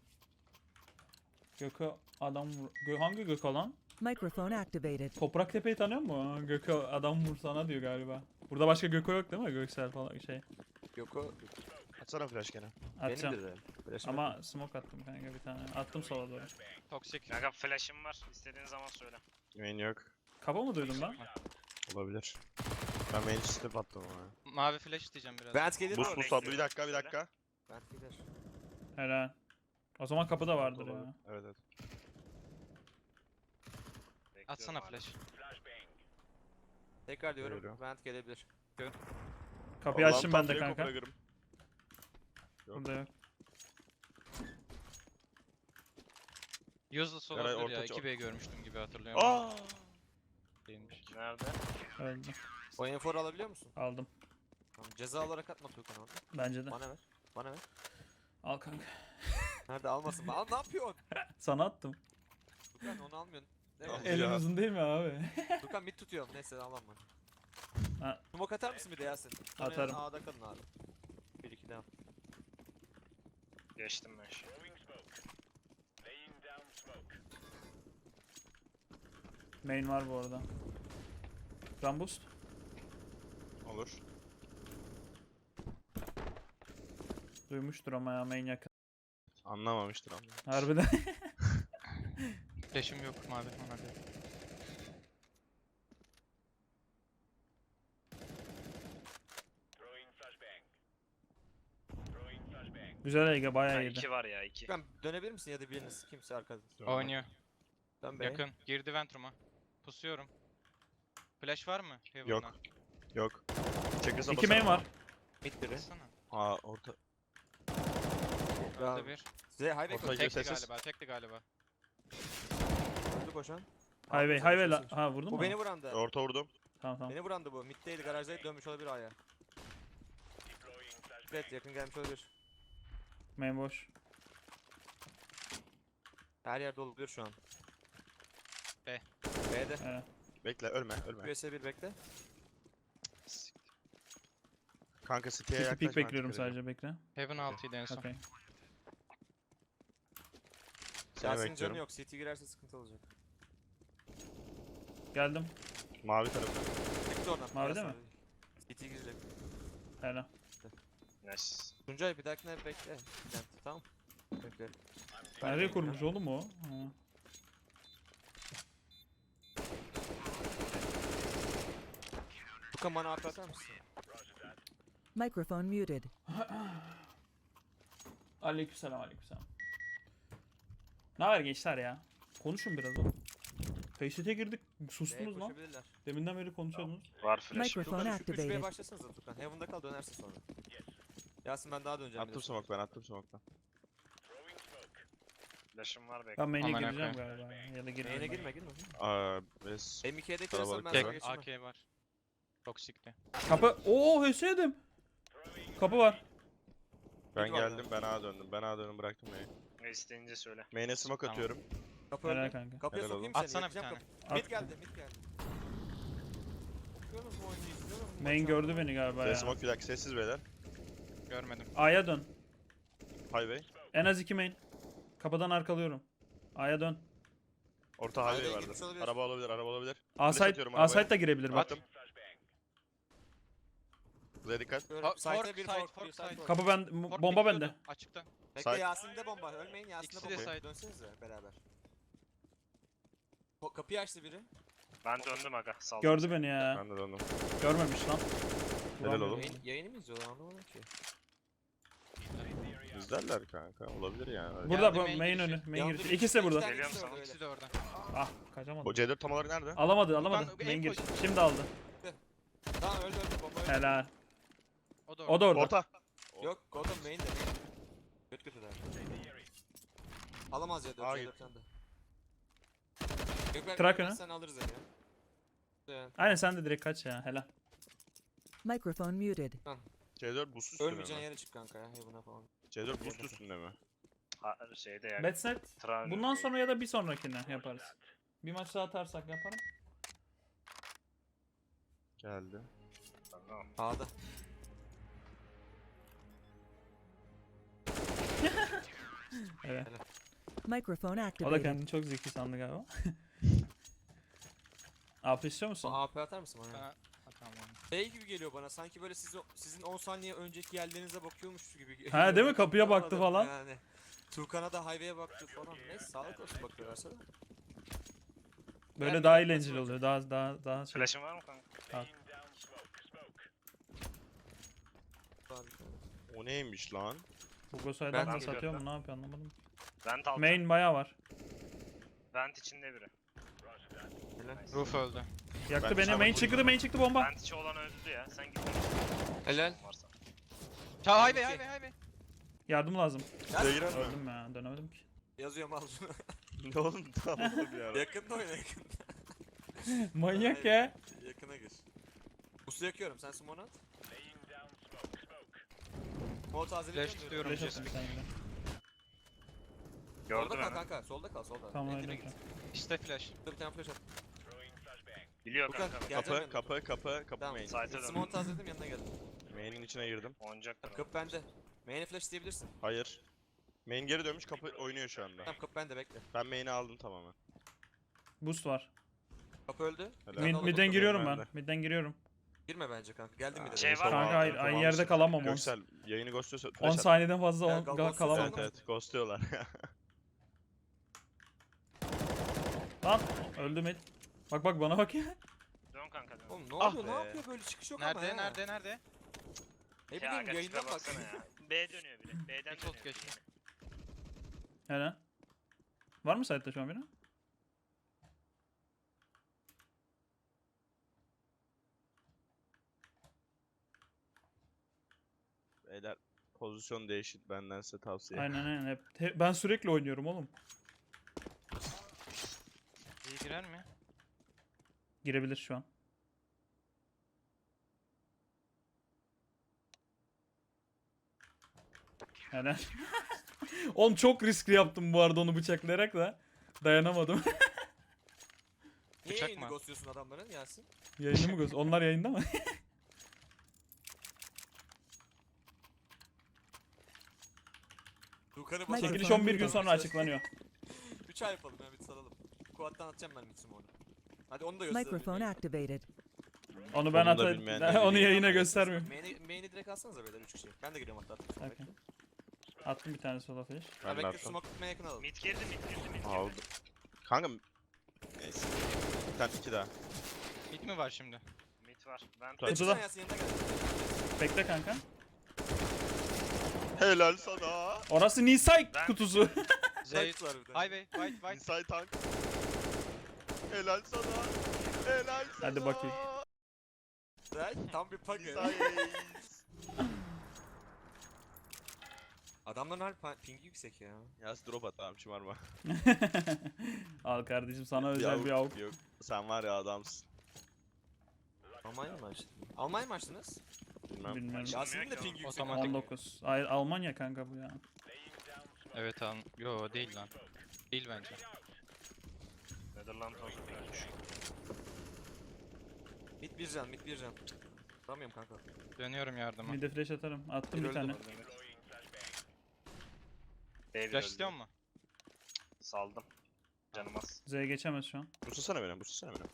[SPEAKER 1] Gökü adam vur... Gö hangi Gökü lan?
[SPEAKER 6] Microphone activated.
[SPEAKER 1] Toprak Tepe'yi tanıyor musun? Gökü adam vursana diyor galiba. Burada başka Gökü yok değil mi? Göksel falan şey.
[SPEAKER 4] Yok o
[SPEAKER 2] Atsana flash gene.
[SPEAKER 1] Atacağım.
[SPEAKER 4] benimdir de. Flash'ım yok.
[SPEAKER 1] Ama smoke attım kanka bir tane. Attım sola doğru.
[SPEAKER 3] Toxic.
[SPEAKER 5] Kanka flash'ım var. İstediğin zaman söyle.
[SPEAKER 2] Main yok.
[SPEAKER 1] Kafa mı duydum ben?
[SPEAKER 2] Olabilir. Ben main step attım ama.
[SPEAKER 3] Mavi flash isteyeceğim biraz.
[SPEAKER 4] Vent gelir mi?
[SPEAKER 2] Boost boost aldı. Bir dakika bir dakika.
[SPEAKER 4] Vent gelir.
[SPEAKER 1] Helal. O zaman kapıda vardır ya.
[SPEAKER 2] Evet evet.
[SPEAKER 5] Bekliyorum
[SPEAKER 3] Atsana
[SPEAKER 5] hala.
[SPEAKER 3] flash.
[SPEAKER 4] Tekrar diyorum.
[SPEAKER 2] Buyurun.
[SPEAKER 4] Vent gelebilir.
[SPEAKER 1] Kapıyı
[SPEAKER 2] Allah'ım
[SPEAKER 1] açtım ben de
[SPEAKER 2] tahtayı
[SPEAKER 1] kanka.
[SPEAKER 2] kopara kırım. Yok.
[SPEAKER 1] Burada yok.
[SPEAKER 3] Useless
[SPEAKER 2] Yaray
[SPEAKER 3] olabilir ya.
[SPEAKER 2] orta çok.
[SPEAKER 3] iki B görmüştüm gibi hatırlıyorum.
[SPEAKER 2] Aa!
[SPEAKER 3] Değilmiş.
[SPEAKER 5] Nerede?
[SPEAKER 1] Öldü.
[SPEAKER 4] O enforu alabiliyor musun?
[SPEAKER 1] Aldım.
[SPEAKER 4] Tamam, ceza olarak atma Tuğkan onu.
[SPEAKER 1] Bence de.
[SPEAKER 4] Bana ver. Bana ver.
[SPEAKER 1] Al kanka.
[SPEAKER 4] Nerede almasın? Al ne yapıyorsun?
[SPEAKER 1] Sana attım.
[SPEAKER 4] Tuğkan onu almıyorsun. Değil
[SPEAKER 2] Al.
[SPEAKER 4] mi?
[SPEAKER 1] Elin
[SPEAKER 2] Ya.
[SPEAKER 1] uzun değil mi abi?
[SPEAKER 4] Tuğkan mid tutuyorum. Neyse almam ben.
[SPEAKER 1] Ha.
[SPEAKER 4] Smoke atar mısın bir de Yasin? Sonra
[SPEAKER 1] Atarım.
[SPEAKER 4] A'da kalın abi. bir iki devam.
[SPEAKER 5] Geçtim ben şimdi.
[SPEAKER 1] Main var bu arada. Run boost.
[SPEAKER 2] Olur.
[SPEAKER 1] Duymuştur ama ya main yakın.
[SPEAKER 2] Anlamamıştır ama.
[SPEAKER 1] Harbiden.
[SPEAKER 3] Flash'im yok mavi ona göre.
[SPEAKER 1] Güzel Ege
[SPEAKER 5] Ha,
[SPEAKER 1] bayağı iyiydi.
[SPEAKER 5] iki var ya iki.
[SPEAKER 4] Tuğkan dönebilir misin ya da biriniz kimse arkada.
[SPEAKER 3] Oynuyor.
[SPEAKER 4] Dön be.
[SPEAKER 3] Yakın. Girdi ventruma. Pusuyorum. Flash var mı? Heaven'dan.
[SPEAKER 2] Yok. Yok. Çekirse
[SPEAKER 1] İki main var.
[SPEAKER 4] Mid biri.
[SPEAKER 3] Bassana.
[SPEAKER 2] Aa orta.
[SPEAKER 4] Bravo.
[SPEAKER 3] Öldü bir.
[SPEAKER 4] Size highway
[SPEAKER 2] Orta-
[SPEAKER 4] koy.
[SPEAKER 3] Tekti
[SPEAKER 2] sessiz.
[SPEAKER 3] galiba. Tekti galiba.
[SPEAKER 4] Öldü koşan.
[SPEAKER 1] Highway, highway la. Ha vurdun mu?
[SPEAKER 4] Bu beni vurandı.
[SPEAKER 2] Orta vurdum.
[SPEAKER 1] Tamam tamam.
[SPEAKER 4] Beni vurandı bu. Mid'deydi garajdaydı dönmüş olabilir A'ya. Evet yakın gelmiş olabilir.
[SPEAKER 1] Main boş.
[SPEAKER 4] Her yer doluyor şu an.
[SPEAKER 3] B.
[SPEAKER 4] B'de.
[SPEAKER 1] Evet.
[SPEAKER 2] Bekle ölme ölme.
[SPEAKER 4] U S bir bekle.
[SPEAKER 2] Kanka city'ye
[SPEAKER 1] Pik
[SPEAKER 2] yaklaşma.
[SPEAKER 1] pik bekliyorum
[SPEAKER 2] dikkat edin.
[SPEAKER 1] sadece bekle.
[SPEAKER 3] Heaven altıydı en son.
[SPEAKER 1] Okey.
[SPEAKER 2] Seni
[SPEAKER 4] Yasin'in canı
[SPEAKER 2] bekliyorum.
[SPEAKER 4] yok. C T girerse sıkıntı olacak.
[SPEAKER 1] Geldim.
[SPEAKER 2] Mavi tarafı.
[SPEAKER 4] Çıktı oradan.
[SPEAKER 1] Mavi
[SPEAKER 4] biraz
[SPEAKER 1] değil mi?
[SPEAKER 4] sonra. C T girecek.
[SPEAKER 1] Helal.
[SPEAKER 5] Nice.
[SPEAKER 4] Tuncay bir dahakine bekle. Vent, tamam. Bekle.
[SPEAKER 1] Nereye kurmuş oğlum o? Ha.
[SPEAKER 4] Tukan bana AP atar mısın?
[SPEAKER 6] Microphone muted.
[SPEAKER 1] Aleykümselam aleykümselam. Ne haber gençler ya? Konuşun biraz oğlum. Faceit'e girdik.
[SPEAKER 4] B'ye
[SPEAKER 1] Sustunuz lan.
[SPEAKER 4] koşabilirler.
[SPEAKER 1] Deminden beri konuşuyordunuz.
[SPEAKER 5] Var flash.
[SPEAKER 6] Microphone
[SPEAKER 4] Tukan üç B'ye
[SPEAKER 6] activated.
[SPEAKER 4] başlasanıza Tukan. Heaven'da kal dönersin sonra. Yasin ben daha döneceğim. bir
[SPEAKER 2] Attım
[SPEAKER 4] de.
[SPEAKER 2] smoke ben attım smoke'tan.
[SPEAKER 5] Flash'ım var bekle.
[SPEAKER 1] Ben main'e
[SPEAKER 3] Aman
[SPEAKER 1] gireceğim
[SPEAKER 3] akıyım.
[SPEAKER 1] galiba. Ya da girmeyeyim.
[SPEAKER 4] Main'e
[SPEAKER 1] ben.
[SPEAKER 4] girme girme.
[SPEAKER 2] Aa biz
[SPEAKER 4] M iki'ye de
[SPEAKER 2] Kalabalık
[SPEAKER 4] kırarsan ben
[SPEAKER 2] bir
[SPEAKER 4] sana
[SPEAKER 3] Tek
[SPEAKER 4] geçemem.
[SPEAKER 3] A K var. Toxic'ti.
[SPEAKER 1] Kapı. Oo H S yedim. Kapı var.
[SPEAKER 2] ben
[SPEAKER 4] Mid var
[SPEAKER 2] geldim ben A döndüm. Ben A döndüm bıraktım main'i.
[SPEAKER 5] Ne isteyince söyle.
[SPEAKER 2] Main'e smoke
[SPEAKER 3] Tamam.
[SPEAKER 2] atıyorum.
[SPEAKER 4] Kapı
[SPEAKER 1] Helal
[SPEAKER 4] öldü.
[SPEAKER 1] kanka.
[SPEAKER 4] Kapıya
[SPEAKER 2] Helal
[SPEAKER 4] sokayım
[SPEAKER 2] oğlum.
[SPEAKER 4] seni.
[SPEAKER 3] Atsana bir
[SPEAKER 4] yakacağım
[SPEAKER 3] tane.
[SPEAKER 4] kapı- Mid
[SPEAKER 1] At.
[SPEAKER 4] geldi mid geldi. Bakıyorsunuz mu oyunu izliyorsunuz mu?
[SPEAKER 1] Main
[SPEAKER 4] Maçı
[SPEAKER 1] gördü
[SPEAKER 4] anlamadım.
[SPEAKER 1] beni galiba
[SPEAKER 2] Size
[SPEAKER 1] ya.
[SPEAKER 2] smoke bir dakika sessiz beyler.
[SPEAKER 3] Görmedim.
[SPEAKER 1] A'ya dön.
[SPEAKER 2] Highway.
[SPEAKER 1] En az iki main. Kapıdan arkalıyorum. A'ya dön.
[SPEAKER 2] Orta
[SPEAKER 4] Highway
[SPEAKER 2] highway
[SPEAKER 4] gitmiş
[SPEAKER 2] vardı.
[SPEAKER 4] olabilir.
[SPEAKER 2] Araba olabilir araba olabilir.
[SPEAKER 1] A
[SPEAKER 2] Flash
[SPEAKER 1] site,
[SPEAKER 2] atıyorum
[SPEAKER 1] A
[SPEAKER 2] arabaya.
[SPEAKER 1] site da girebilir bak.
[SPEAKER 2] Attım. Buraya dikkat.
[SPEAKER 4] Böyle
[SPEAKER 3] Fork,
[SPEAKER 4] site'e
[SPEAKER 3] fork,
[SPEAKER 4] bir
[SPEAKER 3] site,
[SPEAKER 4] fork,
[SPEAKER 3] fork,
[SPEAKER 4] bir site
[SPEAKER 3] site.
[SPEAKER 4] fork.
[SPEAKER 1] Kapı ben,
[SPEAKER 3] Fort
[SPEAKER 1] bomba
[SPEAKER 3] bekliyordu,
[SPEAKER 1] bende.
[SPEAKER 3] Açıkta.
[SPEAKER 4] Bekle
[SPEAKER 2] Site.
[SPEAKER 4] Yasin'de bomba. Ölmeyin Yasin'de
[SPEAKER 3] İkisi de
[SPEAKER 4] bomba.
[SPEAKER 3] site.
[SPEAKER 4] Dönsenize beraber. Ko- Kapıyı açtı biri.
[SPEAKER 5] Ben döndüm aga. Saldım.
[SPEAKER 1] Gördü beni ya.
[SPEAKER 2] Ben de döndüm.
[SPEAKER 1] Görmemiş lan.
[SPEAKER 2] Helal
[SPEAKER 1] Vuramıyor.
[SPEAKER 2] oğlum.
[SPEAKER 4] Yayın, yayını mı izliyorlar anlamadım ki.
[SPEAKER 2] İzlerler kanka. Olabilir yani. Öyle.
[SPEAKER 1] Burada
[SPEAKER 3] Geldi
[SPEAKER 1] bu
[SPEAKER 3] main
[SPEAKER 1] main
[SPEAKER 3] girişi.
[SPEAKER 1] önü. Main
[SPEAKER 4] Yandı
[SPEAKER 1] girişi.
[SPEAKER 4] bir-
[SPEAKER 1] İkisi de
[SPEAKER 4] iki
[SPEAKER 1] burada.
[SPEAKER 4] tane
[SPEAKER 5] Geliyorum
[SPEAKER 4] ikisi de
[SPEAKER 5] sana.
[SPEAKER 4] orada,
[SPEAKER 3] İkisi de orada.
[SPEAKER 1] Ah kaçamadım.
[SPEAKER 2] O C dört tam olarak nerede?
[SPEAKER 1] Alamadı alamadı.
[SPEAKER 3] Ulan,
[SPEAKER 1] Main
[SPEAKER 3] en
[SPEAKER 1] girişi.
[SPEAKER 3] koş-
[SPEAKER 1] Şimdi aldı.
[SPEAKER 4] öyle. Tamam öldü öldü bomba öldü.
[SPEAKER 1] Helal.
[SPEAKER 3] O da orada.
[SPEAKER 1] O da orada.
[SPEAKER 2] Orta.
[SPEAKER 4] Yok Gotham main de main. Kötü kötü der. Alamaz ya
[SPEAKER 2] Aa,
[SPEAKER 4] dört dört de. Yok ben
[SPEAKER 1] Trak önü.
[SPEAKER 4] sen alırız yani. Güzel.
[SPEAKER 1] Aynen sen de direkt kaç ya helal.
[SPEAKER 6] Microphone muted.
[SPEAKER 2] C dört boost üstünde
[SPEAKER 4] Ölmeyeceğin
[SPEAKER 2] mi?
[SPEAKER 4] yere çık kanka ya. Heaven'a falan.
[SPEAKER 2] C dört boost üstünde mi?
[SPEAKER 5] Ha, şeyde ya.
[SPEAKER 1] Betset.
[SPEAKER 5] Tran-
[SPEAKER 1] Bundan sonra ya da bir sonrakine yaparız. Bir maç daha atarsak yaparım.
[SPEAKER 2] Geldi.
[SPEAKER 5] Tamam.
[SPEAKER 4] A'da.
[SPEAKER 1] Evet.
[SPEAKER 6] Microphone
[SPEAKER 1] O da
[SPEAKER 6] activated.
[SPEAKER 1] kendini çok zeki sandı galiba. A P istiyor musun?
[SPEAKER 4] A P atar mısın bana?
[SPEAKER 3] Bana atamam.
[SPEAKER 4] Şey gibi geliyor bana sanki böyle siz, sizin on saniye önceki yerlerinize bakıyormuş gibi geliyor.
[SPEAKER 1] Ha, değil mi? Kapıya baktı
[SPEAKER 4] Anladım
[SPEAKER 1] falan.
[SPEAKER 4] Yani. Tuğkan'a da highway'e baktı falan. Neyse sağlık olsun bakıyorlarsa da.
[SPEAKER 1] Böyle
[SPEAKER 4] Yani
[SPEAKER 1] daha
[SPEAKER 4] nasıl
[SPEAKER 1] eğlenceli
[SPEAKER 4] olacak?
[SPEAKER 1] oluyor. Daha daha daha şey.
[SPEAKER 5] Flash'ın var mı kanka?
[SPEAKER 4] Abi,
[SPEAKER 2] O neymiş lan?
[SPEAKER 1] Hugo Saydan
[SPEAKER 4] Ben
[SPEAKER 1] da
[SPEAKER 5] geliyorum
[SPEAKER 1] satıyor mu?
[SPEAKER 5] ben.
[SPEAKER 1] Ne yapıyor anlamadım.
[SPEAKER 5] Vent altı.
[SPEAKER 1] Main bayağı var.
[SPEAKER 5] Vent içinde biri.
[SPEAKER 4] helal.
[SPEAKER 3] Roof öldü.
[SPEAKER 1] Yaktı
[SPEAKER 2] Ben
[SPEAKER 1] beni.
[SPEAKER 2] çabuk
[SPEAKER 1] Main
[SPEAKER 2] vurdum.
[SPEAKER 1] çıktı, main çıktı bomba.
[SPEAKER 5] Vent içi olan öldü ya. Sen git.
[SPEAKER 4] Helal.
[SPEAKER 5] Varsa.
[SPEAKER 3] Ta highway highway highway.
[SPEAKER 1] Yardım lazım.
[SPEAKER 2] Buraya girer mi?
[SPEAKER 1] Öldüm ya. Dönemedim ki.
[SPEAKER 4] Yazıyorum al şunu.
[SPEAKER 2] Ne oğlum tamam bir ara.
[SPEAKER 4] Yakında oyna yakında.
[SPEAKER 1] Manyak ya.
[SPEAKER 4] Yakına gir. Usu yakıyorum sen smoke at. Smoke tazeliyorum.
[SPEAKER 3] Flash tutuyorum.
[SPEAKER 1] Flash
[SPEAKER 3] Jesse.
[SPEAKER 1] atın bir tane de.
[SPEAKER 4] Solda
[SPEAKER 5] Gördüm
[SPEAKER 4] kal
[SPEAKER 5] hemen.
[SPEAKER 4] kanka solda kal solda.
[SPEAKER 1] Tamam
[SPEAKER 4] Endine
[SPEAKER 1] öyle.
[SPEAKER 4] git.
[SPEAKER 3] İşte flash.
[SPEAKER 4] Dur bir tane flash at.
[SPEAKER 5] Biliyor
[SPEAKER 4] Furkan
[SPEAKER 5] kanka.
[SPEAKER 4] geleceğim
[SPEAKER 2] Kapı
[SPEAKER 4] yanına.
[SPEAKER 2] kapı kapı kapı
[SPEAKER 4] Tamam.
[SPEAKER 2] main.
[SPEAKER 5] Site'e dön.
[SPEAKER 4] Smoke tazeledim yanına geldim.
[SPEAKER 2] Main'in içine girdim.
[SPEAKER 5] Oyuncaklar.
[SPEAKER 4] Kapı bende. Main'e flash isteyebilirsin.
[SPEAKER 2] Hayır. Main geri dönmüş kapı oynuyor şu anda.
[SPEAKER 4] Tamam kapı bende bekle.
[SPEAKER 2] Ben main'i aldım tamamen.
[SPEAKER 1] Boost var.
[SPEAKER 4] Kapı öldü.
[SPEAKER 2] Helal.
[SPEAKER 4] Ben
[SPEAKER 1] Mid,
[SPEAKER 4] de
[SPEAKER 1] midden
[SPEAKER 4] alalım.
[SPEAKER 1] giriyorum
[SPEAKER 2] ben
[SPEAKER 1] ben.
[SPEAKER 2] de.
[SPEAKER 1] Midden giriyorum.
[SPEAKER 4] Girme bence kanka. Geldim mi de.
[SPEAKER 5] Şey var mı?
[SPEAKER 1] Kanka hayır, aynı yerde kalamam. on
[SPEAKER 2] Göksel yayını ghostluyorsa
[SPEAKER 1] on
[SPEAKER 2] flash at.
[SPEAKER 1] saniyeden fazla
[SPEAKER 4] Ya,
[SPEAKER 1] on,
[SPEAKER 4] gal-
[SPEAKER 1] gal-
[SPEAKER 4] gal-
[SPEAKER 1] kalamam.
[SPEAKER 2] Evet evet ghostluyorlar.
[SPEAKER 1] Lan öldü mid. Bak bak bana bak ya.
[SPEAKER 5] Dön kanka dön.
[SPEAKER 4] Oğlum ne
[SPEAKER 2] Ah
[SPEAKER 4] oluyor? Ne
[SPEAKER 2] be.
[SPEAKER 4] yapıyor böyle çıkış yok ama
[SPEAKER 3] Nerede
[SPEAKER 4] ya.
[SPEAKER 3] nerede nerede?
[SPEAKER 4] Ne
[SPEAKER 5] Ya
[SPEAKER 4] bileyim
[SPEAKER 5] aga
[SPEAKER 4] yayından
[SPEAKER 5] tipe
[SPEAKER 4] bak.
[SPEAKER 5] baksana ya. B dönüyor biri. B'den
[SPEAKER 3] Bir tot
[SPEAKER 5] dönüyor.
[SPEAKER 3] geçti.
[SPEAKER 1] Hele. Var mı site'de şu an biri?
[SPEAKER 2] Beyler pozisyon değişik benden size tavsiye.
[SPEAKER 1] Aynen aynen. Hep, hep- ben sürekli oynuyorum oğlum.
[SPEAKER 3] İyi girer mi?
[SPEAKER 1] Girebilir şu an. Helal. Oğlum çok riskli yaptım bu arada onu bıçaklayarak da. Dayanamadım.
[SPEAKER 4] Niye
[SPEAKER 3] Bıçak
[SPEAKER 4] yayını
[SPEAKER 3] mı?
[SPEAKER 4] ghostluyorsun adamların Yasin?
[SPEAKER 1] Yayını mı göz? Onlar yayında mı?
[SPEAKER 4] Tuğkan'ı
[SPEAKER 6] Çekiliş
[SPEAKER 1] Çekiliş
[SPEAKER 6] Microphone
[SPEAKER 1] on bir gün
[SPEAKER 6] muted.
[SPEAKER 1] sonra açıklanıyor.
[SPEAKER 4] üç ay yapalım ya bir salalım. Kuattan atacağım ben mitsim onu. Hadi onu da göster.
[SPEAKER 6] Microphone activated.
[SPEAKER 1] Onu ben
[SPEAKER 2] Onu da
[SPEAKER 1] atayım.
[SPEAKER 2] bilmeyen
[SPEAKER 1] Ben
[SPEAKER 2] de
[SPEAKER 1] onu
[SPEAKER 2] bilmiyor.
[SPEAKER 1] yayına göstermiyorum.
[SPEAKER 4] Main'i, main'i direkt alsanıza beyler üç kişi. Ben de giriyorum hatta. atayım.
[SPEAKER 1] Okey. Attım bir tane sola flash.
[SPEAKER 4] Ha
[SPEAKER 2] Ben de
[SPEAKER 4] bekle
[SPEAKER 2] attım.
[SPEAKER 4] smoke tutmaya yakın alalım.
[SPEAKER 5] Mid girdi mid girdi mid girdi.
[SPEAKER 2] Aldım. Kanka neyse. Bir tane iki daha.
[SPEAKER 3] Mid mi var şimdi?
[SPEAKER 5] Mid var. Vent
[SPEAKER 2] Kutuda.
[SPEAKER 4] Çıksana Yasin yanına gel.
[SPEAKER 1] Bekle kanka.
[SPEAKER 2] Helal sana.
[SPEAKER 1] Orası Nisay
[SPEAKER 5] Ben-
[SPEAKER 1] kutusu.
[SPEAKER 3] Zeyt.
[SPEAKER 4] Tanks var bir de.
[SPEAKER 3] Highway white white.
[SPEAKER 2] Inside tank. Helal sana. Helal sana.
[SPEAKER 1] Hadi bakayım.
[SPEAKER 4] Güzel, tam bir pug ya.
[SPEAKER 2] Nice.
[SPEAKER 4] Adamların harbi pa- pingi yüksek ya.
[SPEAKER 2] Yaz drop at abi şımarma.
[SPEAKER 1] Al kardeşim sana özel bir avuk.
[SPEAKER 2] Yok. Sen var ya adamsın.
[SPEAKER 4] Almanya mı açtın? Almanya mı açtınız?
[SPEAKER 2] Bilmem.
[SPEAKER 1] Bilmiyorum.
[SPEAKER 4] Yasin'in de
[SPEAKER 5] ki
[SPEAKER 4] pingi yüksek.
[SPEAKER 3] Otomatik.
[SPEAKER 1] on dokuz. Hayır Almanya kanka bu ya.
[SPEAKER 3] Evet an. Yo değil lan. Değil bence.
[SPEAKER 5] Netherland olsun.
[SPEAKER 4] Mid bir can, mid bir can. Vuramıyorum kanka.
[SPEAKER 3] Dönüyorum yardıma.
[SPEAKER 1] Bir de flash atarım. Attım
[SPEAKER 4] Bir
[SPEAKER 1] bir
[SPEAKER 4] öldü
[SPEAKER 1] tane.
[SPEAKER 4] bu.
[SPEAKER 5] B
[SPEAKER 3] Flash istiyor mu?
[SPEAKER 5] Saldım. Canım az.
[SPEAKER 1] Z'ye geçemez şu an.
[SPEAKER 2] Buslasana beni, buslasana beni.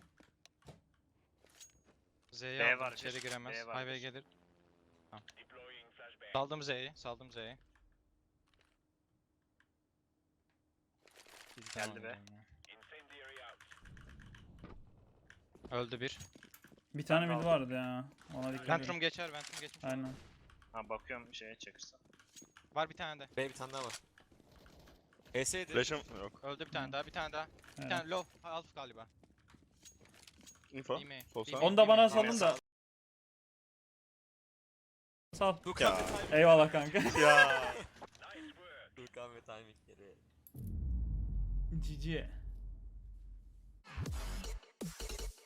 [SPEAKER 3] Z'ye
[SPEAKER 5] B
[SPEAKER 3] aldım.
[SPEAKER 5] var
[SPEAKER 3] İçeri
[SPEAKER 5] bir,
[SPEAKER 3] giremez.
[SPEAKER 5] B var
[SPEAKER 3] Highway
[SPEAKER 5] bir.
[SPEAKER 3] gelir. Tamam. Saldım Z'yi. Saldım Z'yi.
[SPEAKER 5] Geldi be.
[SPEAKER 3] Öldü bir.
[SPEAKER 1] Bir tane mid
[SPEAKER 5] aldım.
[SPEAKER 1] vardı ya. Ona dikkat
[SPEAKER 3] Ventrum
[SPEAKER 1] edin.
[SPEAKER 3] geçer. Ventrum geçmiş.
[SPEAKER 1] Aynen.
[SPEAKER 5] Ha bakıyorum şeye çakırsa.
[SPEAKER 3] Var bir tane de.
[SPEAKER 4] B bir tane daha var. E S'ydi.
[SPEAKER 2] Flash'ım yok.
[SPEAKER 3] Öldü bir tane daha. Bir tane daha. Bir
[SPEAKER 1] Evet.
[SPEAKER 3] tane low. Half galiba.
[SPEAKER 2] Info.
[SPEAKER 3] İyi mi?
[SPEAKER 2] Sol
[SPEAKER 3] İyi
[SPEAKER 2] sağ.
[SPEAKER 3] mi?
[SPEAKER 1] Onu da bana
[SPEAKER 3] İyi mi?
[SPEAKER 1] salın da Sağ ol.
[SPEAKER 4] Tuğkan
[SPEAKER 2] Ya.
[SPEAKER 4] ve timing.
[SPEAKER 1] Eyvallah kanka.
[SPEAKER 2] Ya.
[SPEAKER 4] Tuğkan ve timingleri.
[SPEAKER 1] Cici.